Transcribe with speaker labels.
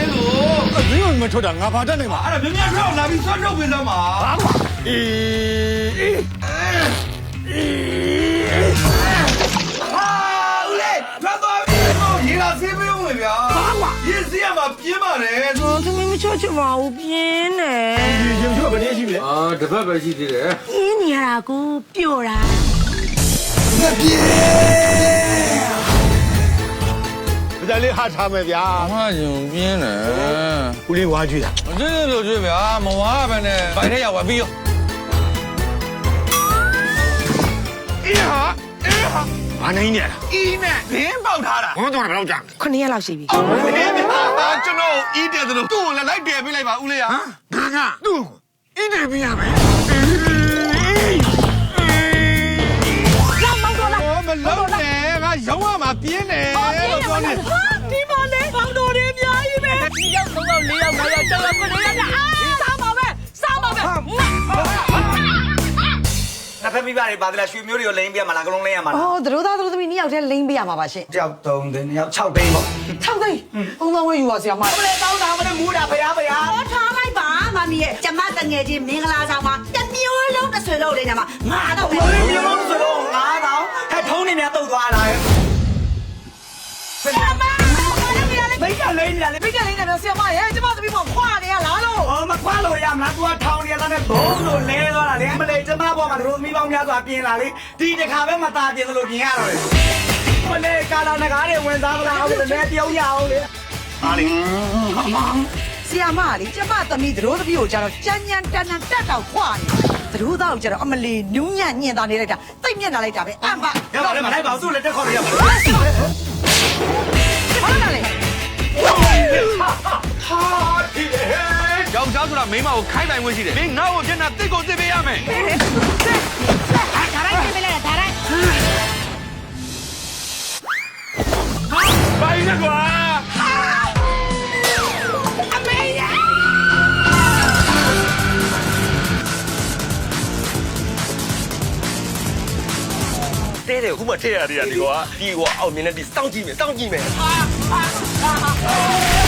Speaker 1: လို့မင်းကမထွက်တာငါဘာတတ်နိုင်မှာ
Speaker 2: အဲ့ဒါမြင်ထွက်လာပြီးဆွတ်ထုတ်ပေးစမ်းပါ
Speaker 1: ဘာကွာအေး
Speaker 2: ဟာဦးလေးထွက်သွားပြီရေလာဆေးပေးဦးမယ်ဗျာ
Speaker 1: ဘာကွာ
Speaker 2: ရေဆေးရမှာပြင်းပါတယ်
Speaker 3: သမီးမချောချင်ပါဘူးပြင်းတယ်
Speaker 1: ရေချွတ်ဘယ်နည်းရှိလဲ
Speaker 2: တစ်ပတ်ပဲရှိသေးတယ်
Speaker 3: ပြင်းနေရတာကိုပျော့တာ
Speaker 1: မပြေဒါလေးဟာထားမယ်ဗျာ
Speaker 4: အမယုံပြင်းတယ်
Speaker 1: ဦးလေးဝါကြည့်တာ
Speaker 4: မကြည့်လို့ကြည့်ဗျာမဝါပဲနဲ့ဘိုင်ထဲရောက်သွားပြီးရော
Speaker 1: အေးဟာဘာနိုင်နေရလား
Speaker 2: အီးနဲ့ဘင်းပေါက်ထားတာ
Speaker 1: ဘုံတော့ဘယ်လောက်ကြာ
Speaker 3: 9ရက်လောက်ရှိပြီ
Speaker 2: ဘင်းပါကျွန်တော်အီးတယ်သလိုသူ့ကိုလည်းလိုက်တယ်ပေးလိုက်ပါဦးလေးဟာ
Speaker 1: ငါသူ့အင်းတယ်ပြရမယ်
Speaker 2: မလုံးနဲ့ငါရောင်းရမှာပြင်းတယ်လို့ပြောနေ
Speaker 3: ဒီမော်လေးပေါင်းတော်တွေအများကြီးပဲ2ယောက်3ယောက်4ယောက်5ယောက်6ယောက်9ယောက်စားပါပဲ
Speaker 5: နှစ်ဖက်မိဘတွေပါသလားရွှေမျိုးတွေကိုလိမ့်ပြရမှာလားကလုံးလိမ့်ရမှာလား
Speaker 3: သတို့သားသတို့သမီး2ယောက်တည်းလိမ့်ပေးရမှာပါရှင်
Speaker 5: 1ယောက်3သိန်း2ယောက်6သိန်းပေါ့
Speaker 3: 6သိန်းဘုံတော်ဝဲယူပါဆရာမ
Speaker 5: ဘယ်တောင်းတာမလဲမူးတာဖရား
Speaker 3: ဟောထားလိုက်ပါမမီရဲ့ကျမတငယ်ချင်းမင်္ဂလာဆောင်မှာတမျိုးလုံးတစ်ဆွေလုံးလေးညမှာ9တော့ပဲ
Speaker 5: မျိုးဆိုတော့9000ဟဲ့ထုံးနေများတုတ်သွားတာ
Speaker 3: ဆရာမ
Speaker 5: ဘိတ်ကလိမ့်နေလေ
Speaker 3: ဘိတ်ကလေးနဲ့ဆရာမရဲ့ကျမသမီးမခွာနေရလားလို့
Speaker 5: မခွာလို့ရမလား तू ထောင်းနေရတဲ့ဘုံလို့လဲသွားတာလေမလေးကျမဘောမှာတို့မိပေါင်းများစွာပြင်လာလေဒီတစ်ခါပဲမตาပြင်လို့ပြင်ရတော့လေမလေးကာလာနဂါးတွေဝင်စားမလားအောင်လေတယောက်ရအောင်လေအားလေ
Speaker 3: ဆရာမလေးကျမသမီးတို့သမီးကိုကြတော့ကြမ်းကြမ်းတန်တန်တက်တော့ခွာနေတို့သားကိုကြတော့အမလီနူးညံ့ညင်သားနေလိုက်တာတိတ်မျက်နှာလိုက်တာပဲအမ်ပါ
Speaker 5: ရပါလေမလိုက်ပါဘူးသူ့လည်းတက်ခေါ်ရပါ
Speaker 3: ဘာလဲလဲ
Speaker 2: ဟာဒီလေ
Speaker 4: ယောက်ျားဆိုတာမိန်းမကိုခိုင်းပိုင်ခွင့်ရှိတယ်မင်းငါ့ကိုမျက်နှာတစ်ကိုတစ်ပေးရမယ်
Speaker 3: ဒါရိုက်ပြေးလိုက်ဒါရိုက်
Speaker 2: ဘိုင်းနဲ့ကွာ
Speaker 3: အမေရ
Speaker 5: တဲတယ်ခုမှထည့်ရသေးတာဒီကွာအောင်မြင်တဲ့ဒီစောင့်ကြည့်မယ်